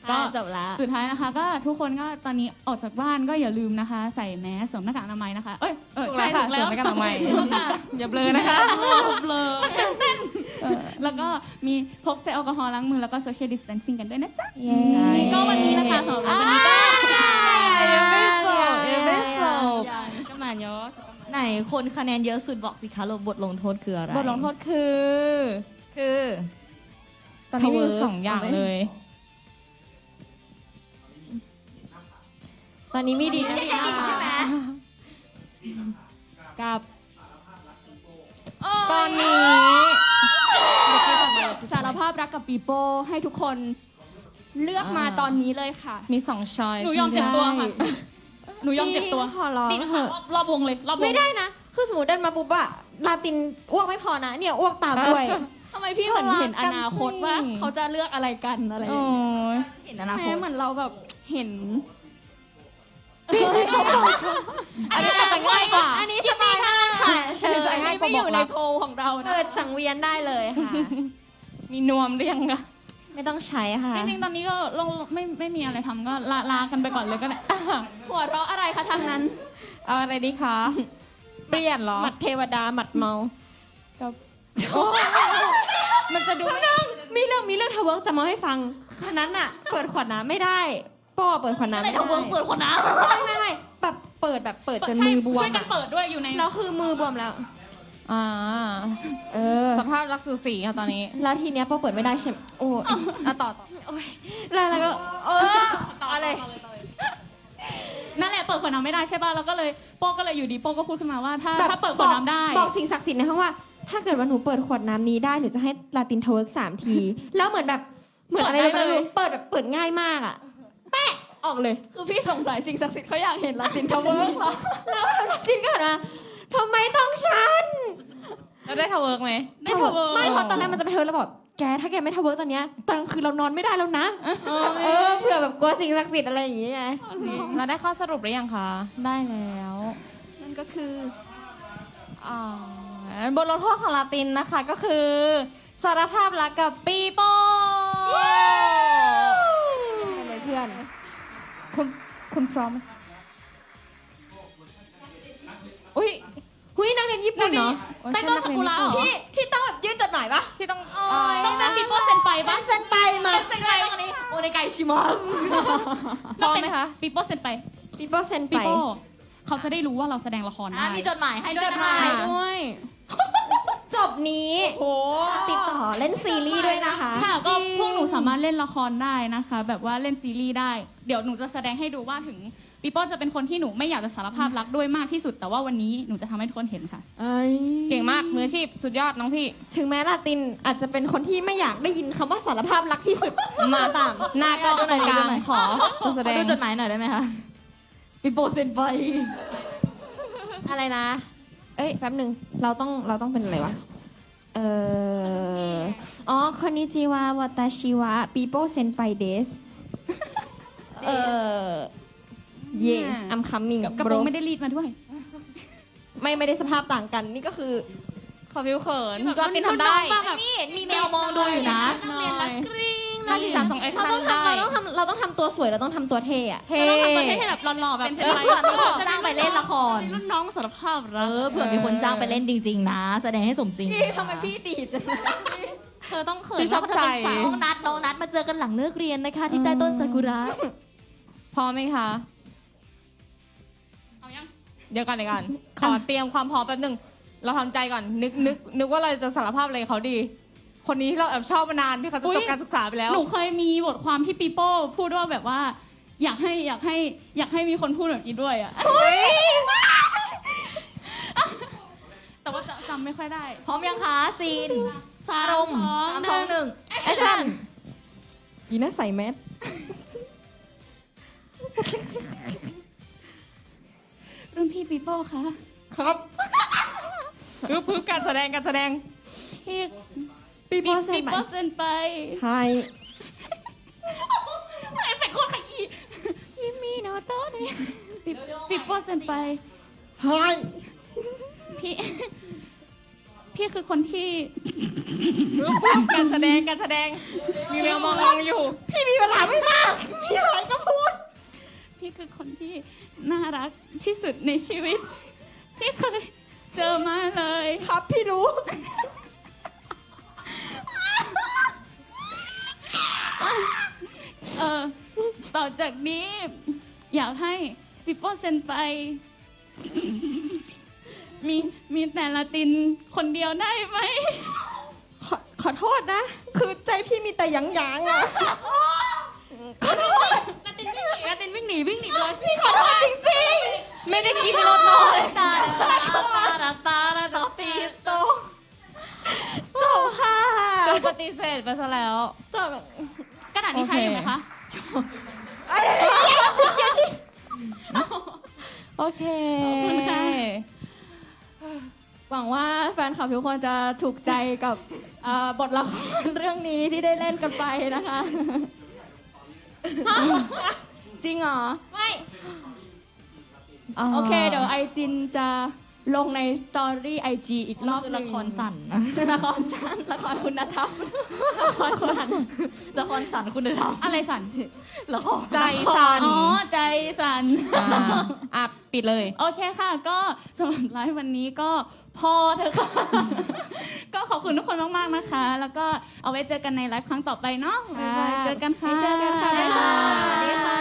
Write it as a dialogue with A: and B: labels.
A: ก็
B: จบละ
A: สุดท้ายนะคะก็ทุกคนก็ตอนนี้ออกจากบ้านก็อย่าลืมนะคะ ใส่แมสสวมหน้ากากอนามัยนะคะใช่ถูกแล้ว
C: สวมหน้ากากอนามัยอย่าเบลอนะคะเบลอ
A: แล้วก็มีพกเจลแอลกอฮอล์ล้างมือแล้วก็ social distancing กันด้วยนะจ๊ะ
B: เย้
A: ก็วันนี้นะคะสำหรับวันนี้ก็
C: ยังไม่จบ
B: ก็มาเยอะไหนคนคะแนนเยอะสุดบอกสิคะบทลงโทษคืออะไร
C: บทลงโทษคือ ตอนนี้มีสองอย่างเลย
B: ตอนนี้มีดีนะ
A: ใช่ไหม
C: กับตอนนี้สารภาพรักกับปีโป้ให้ทุกคนเลือกมาตอนนี้เลยค่ะ มีสองช้อย
A: หนูยอมเจ็บตัวค่ะหนูยอมเจ็บตัว
B: ขอร้อง
A: ดิ
B: เถอะ
A: รอบวงเลยรอบวง
D: ไม่ได้นะ คือสมมติเดินมาปุ๊บอะลาตินอ้วกไม่พอนะ เนี่ยอ้วกตามด้วย
A: ทำไมพี่เหมือนเห็นอนาคตว่าเขาจะเลือกอะไรกันอะไรอย่าง
C: โอ้
A: เงี้ย
C: ย
B: เห็นอนาค
A: แม่
B: ต
A: เหมือนเราแบบเห็น
C: อันนี้อาจจะง่ายกว่า
D: อันนี้สบายมากค่ะเชิญ
C: จะง่ายกว่า
A: ไม่
C: บ
A: อ
C: อก
A: ยู่ใน
C: รัก
A: โพลของเรานะ
D: เปิดสังเวียนได้เลยค่ะ
C: มีนวมหรือยังอะ
B: ไม่ต้องใช้ค่ะ
A: จริงๆตอนนี้ก็ลงไม่มีอะไรทำก็ลากันไปก่อนเลยก็ได้
C: หัวเราะอะไรคะทางนั้น เอาอะไรดีคะ เปลี่ยนเหรอ
D: หมัดเทวดาหมัดเมา
C: มันจะดูไม่
D: มีเรื่องทะเวิร์กจะมาให้ฟังคนนั้นอะเปิดขวดน้ำไม่ได้ป้อเปิดขวดน้ำไม่ได้
B: เปิดคนน้
D: ไม่แบบเปิดจนมือบว
A: ช่
D: ม
A: วยกัน
D: อะ
A: เปิดด้วยอยู่ใน
D: แล้วคือมือบวมแล้ว
C: อ่า
D: เออ
C: สภาพรักสูสีค่ะตอนนี้
D: แล้วทีเนี้ยป้อเปิดไม่ได้ใช่ไหมโอ้ย
C: อ่ะต่อ
D: แล้วก็อะไร
A: นั่นแหละเปิดขวดน้ำไม่ได้ใช่ป่ะแล้วก็เลยโป้ก็เลยอยู่ดีโป้ก็พูดขึ้นมาว่าถ้าเปิดขวดน้ำได้
D: บอกสิ่งศักดิ์สิทธิ์ในห้องว่า ถ้าเกิดว่าหนูเปิดขวดน้ำนี้ได้หนูจะให้ลาตินทะเวิร์ก3 ที แล้วเหมือนอะไรไม่รู้เปิดแบบเปิดง่ายมากอะแปะออกเลย
A: คือพี่สงสัยสิ่งศักดิ์สิทธิ์เขาอยากเห็นลาตินทาวเวิร์กเหรอ
D: แล้วลาตินก็หันมาทำไมต้องฉัน
C: แล้วได้ทาวเวิร์กไหม
A: ได้ทาวเวิร์ก
D: ไม่เพราะตอนแรกมันจะไปเทิร์นแล้วบอกแกถ้าแกไม่ทะเวิร์กตอนเนี้ยตอนกลางคืนเรานอนไม่ได้แล้วนะเผื่อแบบกลัวสิ่งศักดิ์สิทธิ์อะไรอย่างเงี้ยไง
C: เราได้ข้อสรุปหรือยังคะ ได้แล้ว
B: นั่นก็คือ
C: อ่าบทลงโทษของลาตินนะคะก็คือ สารภาพรักกับปีโป้
D: กันเลยเพื่อน
C: คุณพร้อมไหมอุ้ย
D: หุยนักเรียนญี่ปุ่นเนาะ
A: ใต้ต้นซากุระเหรอ
D: ที่ต้องแบบยื่นจดหมายปะ
C: ที่ต้อง
A: ต้องเป็นปีโป้เซ็นไปปะ
D: เซ็นไปมา
A: เซ็นไปตรงนี้
D: โอในไกชิมัส
C: พร้อมไหมคะ
A: ปีโป้เซ็นไป
D: ปีโป้เซ็น
A: ปี
D: ไป
A: โป้เขาจะได้รู้ว่าเราแสดงละครได้
B: มีจดหมายให้ด้วยนะคะ
C: ด้วย
D: จบนี้
C: โห
D: ติดต่อเล่นซีรีส์ด้วยนะคะ
A: ค่ะก็พวกหนูสามารถเล่นละครได้นะคะ แบบว่าเล่นซีรีส์ได้ เดี๋ยวหนูจะแสดงให้ดูว่าถึงปีโป้จะเป็นคนที่หนูไม่อยากจะสารภาพรักด้วยมากที่สุด แต่ว่าวันนี้หนูจะทำให้ทุกคนเห็นค่ะ
C: เก่งมากมืออาชีพสุดยอดน้องพี่
D: ถึงแม้ลาตินอาจจะเป็นคนที่ไม่อยากได้ยินคำว่าสารภาพรักที่สุด
C: มาตามหน้ากล้องตรงกลางขอตัวแสดง
B: ดูจดหมายหน่อยได้ไหมคะปีโป้เซ็นไป
D: อะไรนะ เอ้ยแป๊บหนึ่งเราต้องเป็นอะไรวะ อ๋อคอนนิจิวาวาตาชิวะปีโป้เซนไปเดสเย่ I'm coming
A: กระโปรงไม่ได้รีดมาด้วย
D: ไม่ได้สภาพต่างกัน นี่ก็คือ
C: ขอพิวเขิน
A: แบบ
C: ลาตินทำได้
B: นี่มีแมวมองดูอยู่นะ
A: นักเรียนรักกริ๊ง
C: 5 4 3 2 แอค
D: เรา
C: ชั่น
D: ต้อง
C: ได้
D: เราต้องทำตัวสวยเราต้องทำตัวเท่อะ
C: เท่
A: เราต้องทำตัวให้แบบหล่อๆแบบเป็นไป
B: เผื่อมีคนจ้างไปเล่นละคร
A: รุ่นน้องสารภาพรัก
B: เผื่อมีคนจ้างไปเล่นจริง ๆ นะ แสดงให้สมจริง
A: พี่ทำไมพี่ดีดจังเธอต้องเขิน
C: พี่ชอบใจ
B: น้องนัดมาเจอกันหลังเลิกเรียนนะคะ ที่ใต้ต้นซากุระ
C: พร้อมไหมคะ
A: เอายัง
C: เดี๋ยวก่อนขอเตรียมความพร้อมแป๊บหนึงเราทำใจก่อนนึกว่าเราจะสารภาพอะไรเขาดี คนนี้ที่เราแอบชอบมานานที่เขาจะจบการศึกษาไปแล้ว
A: หนูเคยมีบทความที่ปีโป้พูดว่าแบบว่า อยากให้มีคนพูดแบบนี้ด้วยอะแต่ว่าจำไม่ค่อยได้
B: พร้อมยังคะซีน
A: สาม
B: อารมณ์
A: สอง
B: 3 2 1
D: แอคชั่นอีน่าใส่แมส
A: รุ่นพี่ปีโป้คะ
C: ครับพึบการแสดง
A: พี่
D: ปี
A: ปี
D: โป้เซนไป
A: โป้เซ็นไป
D: ไฮ
A: เอฟเฟกต์โคตรขยี้พี่มีโนโต้เนี่ยปีโป้เซ็นไป
D: ไฮ
A: พี่คือคนที่
C: การแสดงมีแววมองอยู่
D: พี่มีเวลาไม่มาก มีอะไรก็พูด
A: พี่คือคนที่น่ารักที่สุดในชีวิต ที่เคยเจอมาเลย
D: ครับพี่รู้
A: ต่อจากนี้ อยากให้ปิโป้เซ็นไป มีแต่ละตินคนเดียวได้ไหม
D: ขอโทษนะ คือใจพี่มีแต่หยางๆอ่ะ ขอโทษ
B: ลาตินวิ่งหนีลาตินวิ่งหนีวิ่งหนีไปเลย
D: พี่ขอโทษจริง
C: ไม่ได้คิดรถนอน
B: ตาตาตาตาตีโต
D: ๆจบค่ะ
C: โดนปฏิเสธไปซะแล้ว
D: จบ
A: กระดาษนี้ใช้อยู่ไหมคะ
C: โอเค
A: ขอบคุณค่ะ
C: หวังว่าแฟนคลับทุกคนจะถูกใจกับบทละครเรื่องนี้ที่ได้เล่นกันไปนะคะ จริงเหรอ
A: ไม่
C: โอเค เดี๋ยวไอจินจะลงในสตอรี่ไอจีอีกรอบ
B: คือ
C: หนึ่
B: ละ
C: ง
B: ครสั่นนะ
C: ละครสั้นละครคุณธรรม
B: ละครสั่นคุณธรรม
A: อะไรสั่น
B: ละคร
C: ใจสั่น
A: อ๋อ ใจสั่น
C: อ่ะปิดเลย
A: โอเคค่ะ ก็สำหรับไลฟ์วันนี้ก็พอเถอะค่ะ ก็ขอบคุณทุกคนมากๆนะคะ แล้วก็เอาไว้เจอกันในไลฟ์ครั้งต่อไปเนาะบ๊ายบายเจอกันค่ะ
C: เจอกันค่ะ
A: บ๊ายบาย
B: สวัสดีค่ะ